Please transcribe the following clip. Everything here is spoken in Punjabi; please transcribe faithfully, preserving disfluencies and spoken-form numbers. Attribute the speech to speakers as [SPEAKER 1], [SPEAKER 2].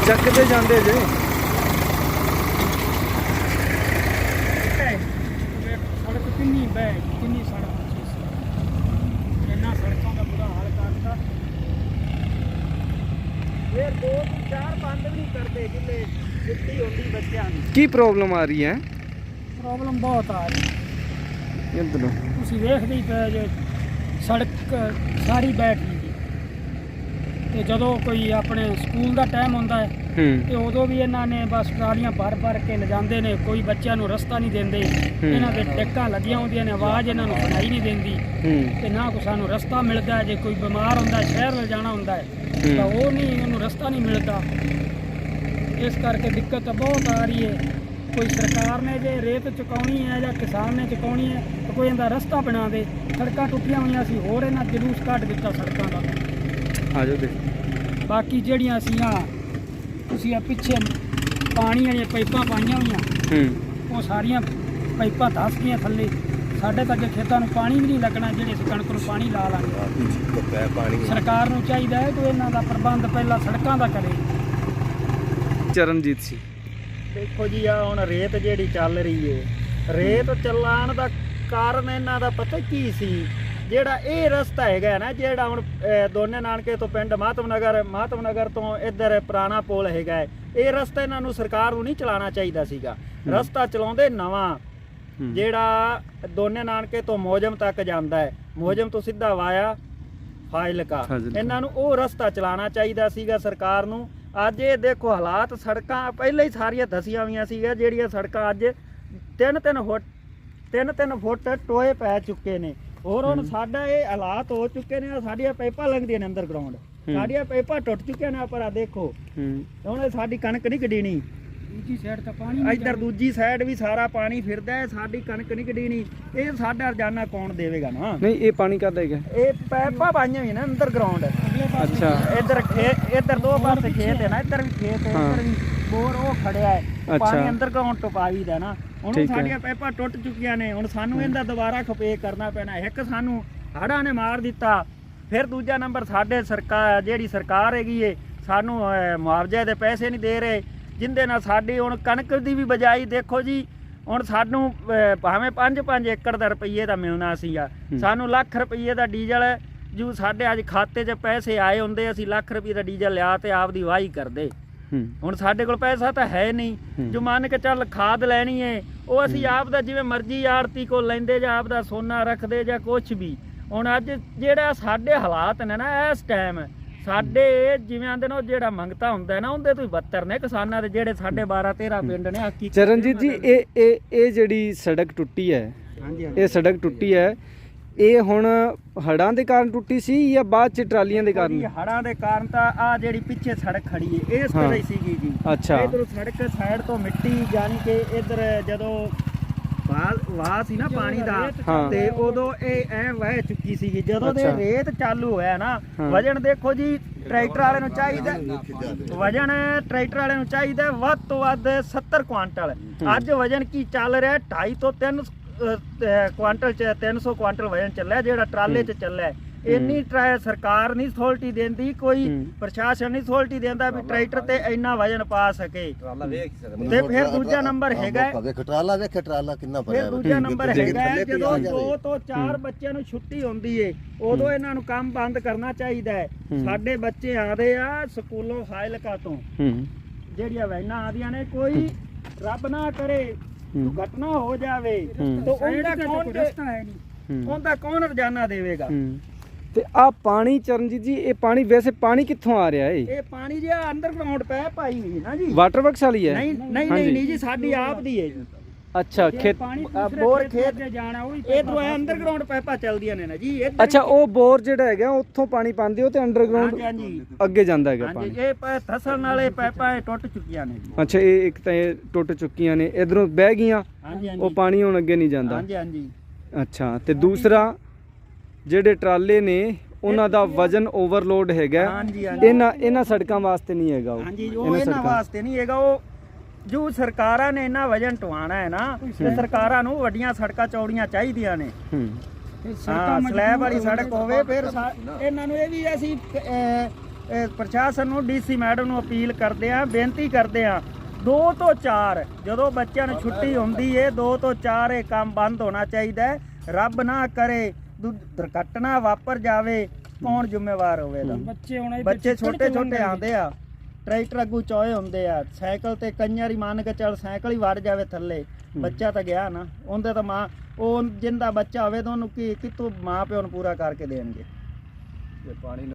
[SPEAKER 1] ਚੱਕਦੇ ਜਾਂਦੇ ਜੇ
[SPEAKER 2] ਸੜਕ ਕਿੰਨੀ ਬੈ ਕਿੰਨੀ ਸੜਕ ਅੱਛੀ ਸੀ ਇੰਨਾ ਸੜਕਾਂ ਦਾ ਬੁਰਾ ਹਾਲ ਕਰਤਾ ਇਹ ਦੋ ਚਾਰ ਬੰਦ ਵੀ ਨਹੀਂ ਕਰਦੇ ਜਿੱਲੇ ਛੁੱਟੀ ਹੁੰਦੀ ਬੱਚਿਆਂ ਦੀ।
[SPEAKER 1] ਕੀ ਪ੍ਰੋਬਲਮ ਆ ਰਹੀ ਹੈ?
[SPEAKER 2] ਪ੍ਰੋਬਲਮ ਬਹੁਤ ਆ ਰਹੀ
[SPEAKER 1] ਇੱਧਰੋਂ
[SPEAKER 2] ਤੁਸੀਂ ਵੇਖਦੇ ਹੀ ਪਏ ਜੇ ਸੜਕ ਸਾਰੀ ਬੈਠ ਗਈ ਤੇ ਜਦੋਂ ਕੋਈ ਆਪਣੇ ਸਕੂਲ ਦਾ ਟਾਈਮ ਹੁੰਦਾ ਹੈ
[SPEAKER 1] ਹੂੰ
[SPEAKER 2] ਤੇ ਉਦੋਂ ਵੀ ਇਹਨਾਂ ਨੇ ਬਸ ਟਰਾਲੀਆਂ ਭਰ ਭਰ ਕੇ ਲਿਜਾਂਦੇ ਨੇ। ਕੋਈ ਬੱਚਿਆਂ ਨੂੰ ਰਸਤਾ ਨਹੀਂ ਦਿੰਦੇ। ਇਹਨਾਂ ਦੇ ਟਿੱਕਾਂ ਲੱਗੀਆਂ ਹੁੰਦੀਆਂ ਨੇ, ਆਵਾਜ਼ ਇਹਨਾਂ ਨੂੰ ਸੁਣਾਈ ਨਹੀਂ ਦਿੰਦੀ
[SPEAKER 1] ਹੂੰ
[SPEAKER 2] ਤੇ ਨਾ ਕੋਈ ਸਾਨੂੰ ਰਸਤਾ ਮਿਲਦਾ। ਜੇ ਕੋਈ ਬਿਮਾਰ ਹੁੰਦਾ ਸ਼ਹਿਰ ਵੱਲ ਜਾਣਾ ਹੁੰਦਾ ਹੈ ਤਾਂ ਉਹ ਨਹੀਂ, ਉਹਨੂੰ ਰਸਤਾ ਨਹੀਂ ਮਿਲਦਾ। ਇਸ ਕਰਕੇ ਦਿੱਕਤ ਤਾਂ ਬਹੁਤ ਆ ਰਹੀ ਹੈ। ਕੋਈ ਸਰਕਾਰ ਨੇ ਜੇ ਰੇਤ ਚੁਕਾਉਣੀ ਹੈ ਜਾਂ ਕਿਸਾਨ ਨੇ ਚੁਕਾਉਣੀ ਹੈ ਤਾਂ ਕੋਈ ਇਹਦਾ ਰਸਤਾ ਬਣਾ ਦੇ। ਸੜਕਾਂ ਟੁੱਟੀਆਂ ਹੋਈਆਂ ਸੀ, ਹੋਰ ਇਹਨਾਂ ਜਲੂਸ ਕੱਢ ਦਿੱਤਾ ਸੜਕਾਂ ਦਾ।
[SPEAKER 1] ਆ ਜਾਓ ਦੇ
[SPEAKER 2] ਬਾਕੀ ਜਿਹੜੀਆਂ ਅਸੀਂ ਆ ਤੁਸੀਂ ਆ ਪਿੱਛੇ ਪਾਣੀ ਵਾਲੀਆਂ ਪਾਈਪਾਂ ਪਾਈਆਂ ਹੋਈਆਂ
[SPEAKER 1] ਹੂੰ
[SPEAKER 2] ਉਹ ਸਾਰੀਆਂ ਪਾਈਪਾਂ ਧੱਸ ਗਈਆਂ ਥੱਲੇ। ਸਾਡੇ ਤਾਂ ਅੱਗੇ ਖੇਤਾਂ ਨੂੰ ਪਾਣੀ ਵੀ ਨਹੀਂ ਲੱਗਣਾ, ਜਿਹੜੇ ਅਸੀਂ ਕਣਕ ਨੂੰ ਪਾਣੀ ਲਾ ਲਾਂਗੇ। ਸਰਕਾਰ ਨੂੰ ਚਾਹੀਦਾ ਹੈ ਕਿ ਇਹਨਾਂ ਦਾ ਪ੍ਰਬੰਧ ਪਹਿਲਾਂ ਸੜਕਾਂ ਦਾ ਕਰੇ।
[SPEAKER 1] ਚਰਨਜੀਤ ਸੀ।
[SPEAKER 2] ਦੇਖੋ ਜੀ ਆ ਹੁਣ ਰੇਤ ਜਿਹੜੀ ਚੱਲ ਰਹੀ ਏ, ਰੇਤ ਚੱਲਣ ਦਾ ਕਾਰਨ ਇਹਨਾਂ ਦਾ ਪਤਾ ਕੀ ਸੀ? ਜਿਹੜਾ ਇਹ ਰਸਤਾ ਹੈਗਾ ਨਾ, ਜਿਹੜਾ ਹੁਣ ਦੋਨੇ ਨਾਨਕੇ ਤੋਂ ਪਿੰਡ ਮਾਤਮ ਨਗਰ ਮਾਤਮ ਨਗਰ ਤੋਂ ਇੱਧਰ ਪੁਰਾਣਾ ਪੁਲ ਹੈਗਾ, ਇਹ ਰਸਤਾ ਇਹਨਾਂ ਨੂੰ ਸਰਕਾਰ ਨੂੰ ਨਹੀਂ ਚਲਾਉਣਾ ਚਾਹੀਦਾ ਸੀਗਾ। ਰਸਤਾ ਚਲਾਉਂਦੇ ਨਵਾਂ ਜਿਹੜਾ ਦੋਨੇ ਨਾਨਕੇ ਤੋਂ ਮੋਜਮ ਤੱਕ ਜਾਂਦਾ ਹੈ, ਮੋਜਮ ਤੋਂ ਸਿੱਧਾ ਵਾਇਆ ਫਾਜ਼ਿਲਕਾ, ਇਹਨਾਂ ਨੂੰ ਉਹ ਰਸਤਾ ਚਲਾਉਣਾ ਚਾਹੀਦਾ ਸੀਗਾ ਸਰਕਾਰ ਨੂੰ। ਅੱਜ ਇਹ ਦੇਖੋ ਹਾਲਾਤ, ਸੜਕਾਂ ਪਹਿਲਾਂ ਹੀ ਸਾਰੀਆਂ ਧਸੀਆਂ ਹੋਈਆਂ ਸੀਗੀਆਂ, ਜਿਹੜੀਆਂ ਸੜਕਾਂ ਅੱਜ ਤਿੰਨ ਤਿੰਨ ਫੁੱਟ ਤਿੰਨ ਤਿੰਨ ਫੁੱਟ ਟੋਏ ਪੈ ਚੁੱਕੇ ਨੇ। ਹੋਰ ਹੁਣ ਸਾਡਾ ਇਹ ਹਾਲਾਤ ਹੋ ਚੁੱਕੇ ਨੇ, ਸਾਡੀਆਂ ਪਾਈਪਾਂ ਲੰਘਦੀਆਂ ਨੇ ਅੰਡਰਗਰਾਉਂਡ, ਸਾਡੀਆਂ ਪਾਈਪਾਂ ਟੁੱਟ ਚੁੱਕੀਆਂ ਨੇ। ਪਰ ਆ ਦੇਖੋ ਹੁਣ ਸਾਡੀ ਕਣਕ ਨਹੀਂ ਕਢੀਣੀ, ਦੂਜੀ ਸਾਈਡ ਤਾਂ ਪਾਣੀ, ਇੱਧਰ ਦੂਜੀ ਸਾਈਡ ਵੀ ਸਾਰਾ ਪਾਣੀ ਫਿਰਦਾ ਹੈ, ਸਾਡੀ ਕਣਕ ਨਹੀਂ ਕਢੀਣੀ। ਇਹ ਸਾਡਾ ਰੋਜ਼ਾਨਾ ਕੌਣ ਦੇਵੇਗਾ ਨਾ?
[SPEAKER 1] ਨਹੀਂ ਇਹ ਪਾਣੀ ਕਾਹਦਾ ਹੈਗਾ?
[SPEAKER 2] ਇਹ ਪਾਈਪਾਂ ਪਾਈਆਂ ਹੋਈਆਂ ਨੇ ਅੰਡਰਗਰਾਉਂਡ।
[SPEAKER 1] ਅੱਛਾ
[SPEAKER 2] ਇੱਧਰ ਖੇਤ, ਇੱਧਰ ਦੋ ਪਾਸੇ ਖੇਤ ਹੈ ਨਾ, ਇੱਧਰ ਵੀ ਖੇਤ ਹੈ, ਇੱਧਰ ਵੀ ਬੋਰ ਉਹ ਖੜਿਆ ਹੈ। ਪਾਣੀ ਅੰਡਰਗਰਾਉਂਡ ਤੋਂ ਪਾਈਦਾ ਨਾ। ਹੁਣ ਸਾਡੀਆਂ ਪਾਈਪਾਂ ਟੁੱਟ ਚੁੱਕੀਆਂ ਨੇ, ਹੁਣ ਸਾਨੂੰ ਇਹਦਾ ਦੁਬਾਰਾ ਖਪੇ ਕਰਨਾ ਪੈਣਾ। ਇੱਕ ਸਾਨੂੰ ਹੜ੍ਹਾਂ ਨੇ ਮਾਰ ਦਿੱਤਾ, ਫਿਰ ਦੂਜਾ ਨੰਬਰ ਸਾਡੇ ਸਰਕਾਰ ਜਿਹੜੀ ਸਰਕਾਰ ਹੈਗੀ ਏ ਸਾਨੂੰ ਮੁਆਵਜ਼ੇ ਦੇ ਪੈਸੇ ਨਹੀਂ ਦੇ ਰਹੇ, ਜਿੰਦੇ ਨਾਲ ਸਾਡੀ ਹੁਣ ਕਣਕ ਦੀ ਵੀ ਬਜਾਈ ਦੇਖੋ ਜੀ। ਹੁਣ ਸਾਨੂੰ ਭਾਵੇਂ ਪੰਜ ਪੰਜ ਏਕੜ ਦਾ ਰੁਪਈਏ ਦਾ ਮਿਲਣਾ ਸੀਗਾ, ਸਾਨੂੰ ਲੱਖ ਰੁਪਈਏ ਦਾ ਡੀਜ਼ਲ ਜੋ ਸਾਡੇ ਅੱਜ ਖਾਤੇ 'ਚ ਪੈਸੇ ਆਏ ਹੁੰਦੇ, ਅਸੀਂ ਲੱਖ ਰੁਪਏ ਦਾ ਡੀਜ਼ਲ ਲਿਆ ਤੇ ਆਪਦੀ ਵਾਹੀ ਕਰਦੇ। ਹੁਣ ਸਾਡੇ ਕੋਲ ਪੈਸਾ ਤਾਂ ਹੈ ਨਹੀਂ, ਜੋ ਮੰਨ ਕੇ ਚੱਲ ਖਾਦ ਲੈਣੀ ਏ ਉਹ ਅਸੀਂ ਆਪ ਦਾ ਜਿਵੇਂ ਮਰਜ਼ੀ ਆੜਤੀ ਕੋਲ ਲੈਂਦੇ ਜਾਂ ਆਪ ਦਾ ਸੋਨਾ ਰੱਖਦੇ ਜਾਂ ਕੁਛ ਵੀ। ਹੁਣ ਅੱਜ ਜਿਹੜਾ ਸਾਡੇ ਹਾਲਾਤ ਨੇ ਨਾ ਇਸ ਟਾਈਮ, ਸਾਡੇ ਜਿਵੇਂ ਆਂਦੇ ਨੇ ਜਿਹੜਾ ਮੰਗਤਾ ਹੁੰਦਾ ਨਾ ਉਹਦੇ ਤੋਂ ਹੀ ਬੱਤਰ ਨੇ ਕਿਸਾਨਾਂ ਦੇ, ਜਿਹੜੇ ਸਾਡੇ ਬਾਰਾਂ ਤੇਰਾਂ ਪਿੰਡ ਨੇ। ਹਾਕੀ
[SPEAKER 1] ਚਰਨਜੀਤ ਜੀ ਇਹ ਇਹ ਇਹ ਜਿਹੜੀ ਸੜਕ ਟੁੱਟੀ ਹੈ, ਇਹ ਸੜਕ ਟੁੱਟੀ ਹੈ, ਇਹ ਹੁਣ ਹੜ੍ਹਾਂ ਦੇ ਕਾਰਨ ਟੁੱਟੀ ਸੀ ਜਾਂ ਬਾਅਦ ਚ ਟਰਾਲੀਆਂ ਦੇ ਕਾਰਨ?
[SPEAKER 2] ਹੜ੍ਹਾਂ ਦੇ ਕਾਰਨ ਤਾਂ ਆ ਜਿਹੜੀ ਪਿੱਛੇ ਸੜਕ ਖੜੀ ਹੈ ਇਸ ਤਰ੍ਹਾਂ ਹੀ ਸੀਗੀ ਜੀ।
[SPEAKER 1] ਅੱਛਾ,
[SPEAKER 2] ਇਧਰੋਂ ਸੜਕ ਸਾਈਡ ਤੋਂ ਮਿੱਟੀ ਜਾਨੀ ਕਿ ਇਧਰ ਜਦੋਂ ਵਾਹ ਸੀ ਨਾ ਪਾਣੀ ਦਾ ਤੇ ਉਦੋਂ ਇਹ ਐ ਵਹਿ ਚੁੱਕੀ ਸੀਗੀ। ਜਦੋਂ ਦੇ ਰੇਤ ਚਾਲੂ ਹੋਇਆ ਨਾ, ਵਜਨ ਦੇਖੋ ਜੀ ਟਰੈਕਟਰ ਵਾਲੇ ਨੂੰ ਚਾਹੀਦਾ, ਵਜਨ ਟਰੈਕਟਰ ਵਾਲੇ ਨੂੰ ਚਾਹੀਦਾ ਵੱਧ ਤੋਂ ਵੱਧ ਸੱਤਰ ਕੁਆਂਟਲ। ਅੱਜ ਵਜਨ ਕੀ ਚੱਲ ਰਿਹਾ ਢਾਈ ਤੋਂ ਤਿੰਨ ਕੁਆਂਟਲ ਚ ਤਿੰਨ ਸੌ ਕੁਆਂਟਲ ਵਜਨ ਚੱਲਿਆ ਜਿਹੜਾ ਟਰਾਲੇ ਚ ਚੱਲਿਆ। ਇੰਨੀ ਸਰਕਾਰ ਨਹੀਂ ਅਥਾਰਟੀ ਦਿੰਦੀ, ਕੋਈ ਪ੍ਰਸ਼ਾਸਨ ਨਹੀਂ ਅਥਾਰਟੀ ਦਿੰਦਾ ਵੀ ਟਰੈਕਟਰ ਤੇ ਇੰਨਾ ਵਜਨ ਪਾ ਸਕੇ। ਤੇ ਫਿਰ ਦੂਜਾ ਨੰਬਰ ਹੈਗਾ
[SPEAKER 3] ਟਰਾਲਾ ਵੇਖ ਟਰਾਲਾ ਕਿੰਨਾ ਭਰਿਆ।
[SPEAKER 2] ਫਿਰ ਦੂਜਾ ਨੰਬਰ ਹੈਗਾ ਜਦੋਂ ਦੋ ਤੋਂ ਚਾਰ ਬੱਚਿਆਂ ਨੂੰ ਛੁੱਟੀ ਹੁੰਦੀ ਏ ਉਦੋਂ ਇਹਨਾਂ ਨੂੰ ਕੰਮ ਬੰਦ ਕਰਨਾ ਚਾਹੀਦਾ ਹੈ। ਸਾਡੇ ਬੱਚੇ ਆਦੇ ਆ ਸਕੂਲੋਂ ਫਾਜ਼ਿਲਕਾ ਤੋਂ, ਜਿਹੜੀਆਂ ਵੈਨਾਂ ਆਦੀਆਂ ਨੇ, ਕੋਈ ਰੱਬ ਨਾ ਕਰੇ ਘਟਨਾ ਹੋ ਜਾਵੇ ਤਾਂ ਉਹਦਾ ਕੌਣ ਰਸਤਾ ਹੈ ਨਹੀਂ, ਉਹਦਾ ਕੌਣ ਰੋਜ਼ਾਨਾ ਦੇਵੇਗਾ?
[SPEAKER 1] ਤੇ ਆ ਪਾਣੀ ਚਰਨਜੀਤ ਜੀ, ਇਹ ਪਾਣੀ ਵੈਸੇ ਪਾਣੀ ਕਿੱਥੋਂ ਆ ਰਿਹਾ ਏ?
[SPEAKER 2] ਇਹ ਪਾਣੀ ਜੀ ਅੰਡਰਗਰਾਉਂਡ ਪੈ ਪਾਈ ਹੋਈ ਨਾ ਜੀ,
[SPEAKER 1] ਵਾਟਰ ਵਰਕਸ ਵਾਲੀ ਹੈ?
[SPEAKER 2] ਨਹੀਂ ਨਹੀਂ ਨਹੀਂ ਨਹੀਂ ਜੀ, ਸਾਡੀ ਆਪ ਦੀ ਹੈ ਜੀ।
[SPEAKER 1] ਅੱਛਾ, ਖੇਤ
[SPEAKER 2] ਬੋਰ ਖੇਤ ਜਾਣਾ ਉਹ ਇਧਰੋਂ ਅੰਡਰਗਰਾਉਂਡ ਪਾਈਪਾਂ ਚੱਲਦੀਆਂ ਨੇ ਨਾ ਜੀ।
[SPEAKER 1] ਅੱਛਾ, ਉਹ ਬੋਰ ਜਿਹੜਾ ਹੈਗਾ ਉੱਥੋਂ ਪਾਣੀ ਪਾਉਂਦੇ ਹੋ ਤੇ ਅੰਡਰਗਰਾਉਂਡ ਅੱਗੇ ਜਾਂਦਾ ਹੈਗਾ ਪਾਣੀ?
[SPEAKER 2] ਇਹ ਧਸਣ ਨਾਲੇ ਪਾਈਪਾਂ ਟੁੱਟ ਚੁੱਕੀਆਂ ਨੇ।
[SPEAKER 1] ਅੱਛਾ, ਇਹ ਇੱਕ ਤਾਂ ਇਹ ਟੁੱਟ ਚੁੱਕੀਆਂ ਨੇ, ਇਧਰੋਂ ਬਹਿ ਗਈਆਂ, ਉਹ ਪਾਣੀ ਹੁਣ ਅੱਗੇ ਨਹੀਂ ਜਾਂਦਾ।
[SPEAKER 2] ਹਾਂਜੀ ਹਾਂਜੀ।
[SPEAKER 1] ਅੱਛਾ, ਤੇ ਦੂਸਰਾ ਜਿਹੜੇ ਟਰਾਲੇ ਨੇ ਉਹਨਾਂ ਦਾ ਵਜਨ ਓਵਰਲੋਡ ਹੈਗਾ, ਇਹਨਾਂ ਇਹਨਾਂ ਸੜਕਾਂ ਵਾਸਤੇ ਨਹੀਂ ਹੈਗਾ ਉਹ।
[SPEAKER 2] ਹਾਂਜੀ, ਉਹ ਇਹਨਾਂ ਵਾਸਤੇ ਨਹੀਂ ਹੈਗਾ। ਉਹ ਜੋ ਸਰਕਾਰਾਂ ਨੇ ਇਹਨਾਂ ਵਜਨ ਟਵਾਣਾ ਹੈ ਨਾ, ਤੇ ਸਰਕਾਰਾਂ ਨੂੰ ਵੱਡੀਆਂ ਸੜਕਾਂ ਚੌੜੀਆਂ ਚਾਹੀਦੀਆਂ ਨੇ। ਸਲੈਬ ਵਾਲੀ ਸੜਕ ਹੋਵੇ। ਫਿਰ ਇਹਨਾਂ ਨੂੰ ਇਹ ਵੀ ਅਸੀਂ ਇਹ ਪ੍ਰਸ਼ਾਸਨ ਨੂੰ ਡੀਸੀ ਮੈਡਮ ਨੂੰ ਅਪੀਲ ਕਰਦੇ ਆ, ਬੇਨਤੀ ਕਰਦੇ ਆ, ਦੋ ਤੋਂ ਚਾਰ ਜਦੋਂ ਬੱਚਿਆਂ ਨੂੰ ਛੁੱਟੀ ਹੁੰਦੀ ਏ ਦੋ ਤੋਂ ਚਾਰ ਇਹ ਕੰਮ ਬੰਦ ਹੋਣਾ ਚਾਹੀਦਾ ਹੈ। ਰੱਬ ਨਾ ਕਰੇ ਦੁ- ਦੁਰਘਟਨਾ ਵਾਪਰ ਜਾਵੇ, ਕੌਣ ਜ਼ਿੰਮੇਵਾਰ ਹੋਵੇਗਾ?
[SPEAKER 4] ਬੱਚੇ ਹੁਣ
[SPEAKER 2] ਬੱਚੇ ਛੋਟੇ ਛੋਟੇ ਆਉਂਦੇ ਆ, ਟਰੈਕਟਰ ਅੱਗੂ ਚੋਏ ਹੁੰਦੇ ਆ, ਸਾਈਕਲ ਤੇ ਕਈਆਂ ਹੀ ਮੰਨ ਕੇ ਚੱਲ ਸਾਈਕਲ ਹੀ ਵੜ ਜਾਵੇ ਥੱਲੇ, ਬੱਚਾ ਤਾਂ ਗਿਆ ਨਾ। ਉਹਦੇ ਤਾਂ ਮਾਂ ਉਹ ਜਿੰਦਾ ਬੱਚਾ ਹੋਵੇ ਤਾਂ ਉਹਨੂੰ ਕੀ ਕਿਤੋਂ ਮਾਂ ਪਿਓ ਨੂੰ ਪੂਰਾ ਕਰਕੇ ਦੇਣਗੇ।